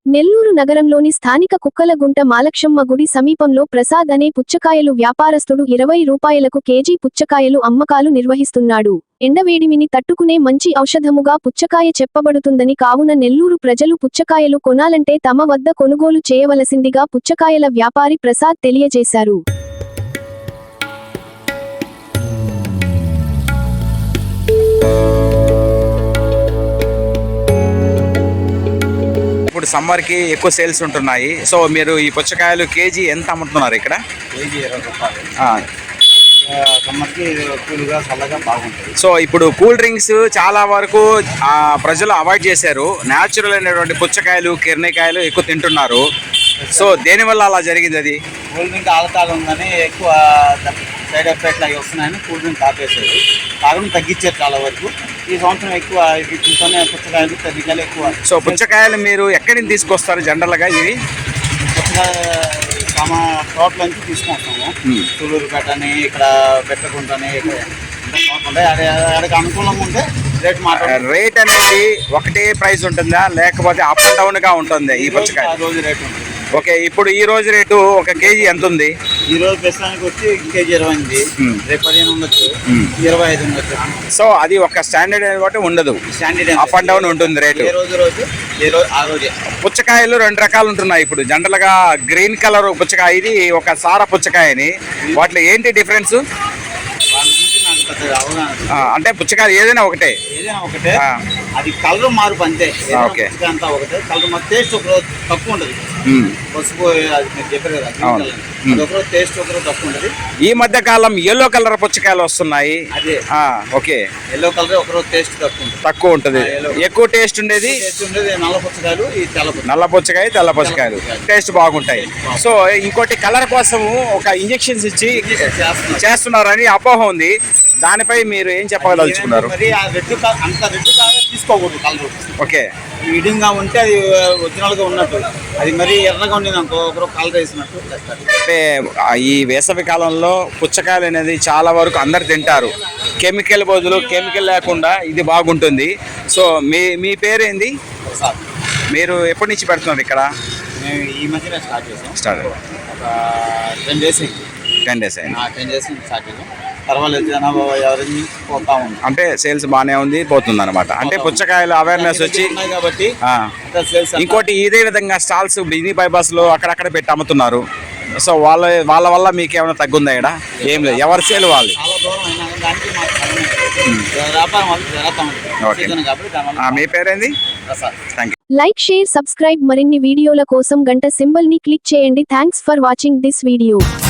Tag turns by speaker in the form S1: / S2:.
S1: నెల్లూరు నగరంలోని స్థానిక కుక్కలగుంట మాలక్షమ్మ గుడి సమీపంలో ప్రసాద్ అనే పుచ్చకాయలు వ్యాపారస్తుడు 20 రూపాయలకు కేజీ పుచ్చకాయలు అమ్మకాలు నిర్వహిస్తున్నాడు. ఎండవేడిమిని తట్టుకునే మంచి ఔషధముగా పుచ్చకాయ చెప్పబడుతుందని కావున నెల్లూరు ప్రజలు పుచ్చకాయలు కొనాలంటే తమ వద్ద కొనుగోలు చేయవలసిందిగా పుచ్చకాయల వ్యాపారి ప్రసాద్ తెలియజేశారు.
S2: ఇప్పుడు సమ్మర్ కి ఎక్కువ సేల్స్ ఉంటున్నాయి. సో మీరు ఈ పుచ్చకాయలు కేజీ ఎంత అమ్ముతున్నారు ఇక్కడ?
S3: కేజీ 20 రూపాయలు. సమ్మర్కి కూల్గా చల్లగా బాగుంటుంది.
S2: సో ఇప్పుడు కూల్ డ్రింక్స్ చాలా వరకు ప్రజలు అవాయిడ్ చేశారు. న్యాచురల్ అయినటువంటి పుచ్చకాయలు కిరణికాయలు ఎక్కువ తింటున్నారు. సో దేనివల్ల అలా జరిగింది? అది
S3: కూల్ డ్రింక్ ఆల్కహాల్ ఉందని ఎక్కువ సైడ్ ఎఫెక్ట్లు అవి వస్తున్నాయని కూల్ డ్రింక్ ఆపేశారు. తాగడం తగ్గించారు చాలా వరకు. ఈ సంవత్సరం ఎక్కువ వీటితోనే పుచ్చకాయలు కిరణికాయలు ఎక్కువ.
S2: సో పుచ్చకాయలు మీరు ఎక్కడి నుంచి తీసుకొస్తారు జనరల్గా? ఇవి
S3: పుచ్చకాయ తోటల నుంచి తీసుకొస్తాము. సూళ్ళూరుపేట అని, ఇక్కడ బెట్టగుంట అని, ఇక్కడ అక్కడికి అనుకూలంగా ఉంటే
S2: రేట్ అనేది ఒకటే ప్రైస్ ఉంటుందా లేకపోతే అప్ అండ్ డౌన్ గా ఉంటుంది ఈ పుచ్చకాయ?
S3: రోజు రేట్ ఉంటుంది.
S2: ఓకే, ఇప్పుడు ఈ రోజు రేటు ఒక కేజీ ఎంత ఉంది?
S3: ఈ రోజు ప్రస్తుతానికి వచ్చి కేజీ 20 ఉంది. రేపు 15 ఉండొచ్చు, 25 ఉండొచ్చు.
S2: సో అది ఒక స్టాండర్డ్ బట్టి ఉండదు,
S3: స్టాండర్డ్
S2: అప్ అండ్ డౌన్ ఉంటుంది రేటు. పుచ్చకాయలు 2 రకాలు ఉంటున్నాయి ఇప్పుడు జనరల్ గా. గ్రీన్ కలర్ పుచ్చకాయ, ఇది ఒక సార పుచ్చకాయని. వాటిలో ఏంటి డిఫరెన్స్? అంటే పుచ్చకాయలు ఏదైనా ఒకటే?
S3: అది కలర్ మార్పు అంతే. అంతా ఒకటే కలర్ మార్పు. టేస్ట్ ఒక తక్కువ ఉంటుంది. పసుపు అది మీరు చెప్పారు కదా, ఒకరోజు టేస్ట్ ఒకరోజు తక్కువ ఉంటుంది.
S2: ఈ మధ్య కాలం ఎల్లో కలర్ పుచ్చకాయలు వస్తున్నాయి.
S3: అదే
S2: ఓకే,
S3: ఎల్లో కలర్ ఒకరోజు టేస్ట్
S2: తక్కువ ఉంటుంది. ఎక్కువ టేస్ట్ ఉండేది
S3: నల్ల పుచ్చకాయలు, ఈ
S2: నల్ల పుచ్చకాయ, తెల్ల పుచ్చకాయలు టేస్ట్ బాగుంటాయి. సో ఇంకోటి కలర్ కోసం ఒక ఇంజెక్షన్స్ ఇచ్చి చేస్తున్నారని అపోహ ఉంది. దానిపై మీరు ఏం చెప్పగలుగుతున్నారు?
S3: తీసుకోకూడదు కలర్.
S2: ఓకే,
S3: మీడియంగా ఉంటే అది ఒరిజినల్ గా ఉన్నట్టు. అది మరి ఎర్రగా ఉండేది అనుకో, ఒకరు కలర్ వేసినట్టు.
S2: అంటే ఈ వేసవి కాలంలో పుచ్చకాయలు అనేది చాలా వరకు అందరు తింటారు. కెమికల్ బదులు కెమికల్ లేకుండా ఇది బాగుంటుంది. సో మీ పేరేంది? మీరు ఎప్పటి నుంచి పెడుతున్నారు ఇక్కడ?
S3: మేము ఈ మధ్యన స్టార్ట్ చేసాం.
S2: ఒక
S3: 10 డేస్.
S2: 10 డేస్ అయింది.
S3: 10 డేస్ స్టార్ట్ చేసాం. పర్వాలేదు, ఎవరిని పోతా ఉంది.
S2: అంటే సేల్స్ బాగానే ఉంది, పోతుంది అనమాట. అంటే పుచ్చకాయలు అవేర్నెస్ వచ్చి
S3: కాబట్టి.
S2: ఇంకోటి ఇదే విధంగా స్టాల్స్ బిజీ బైపాస్ లో అక్కడక్కడ పెట్టి అమ్ముతున్నారు. సో వాళ్ళ వల్ల మీకు ఏమైనా తగ్గుందా? ఇక్కడ ఏం లేదు, ఎవరి సేల్ వాళ్ళు. మీ పేరేంది?
S1: Like, share, subscribe. మరిన్ని వీడియోల కోసం గంట సింబల్ ని క్లిక్ చేయండి. Thanks for watching this video.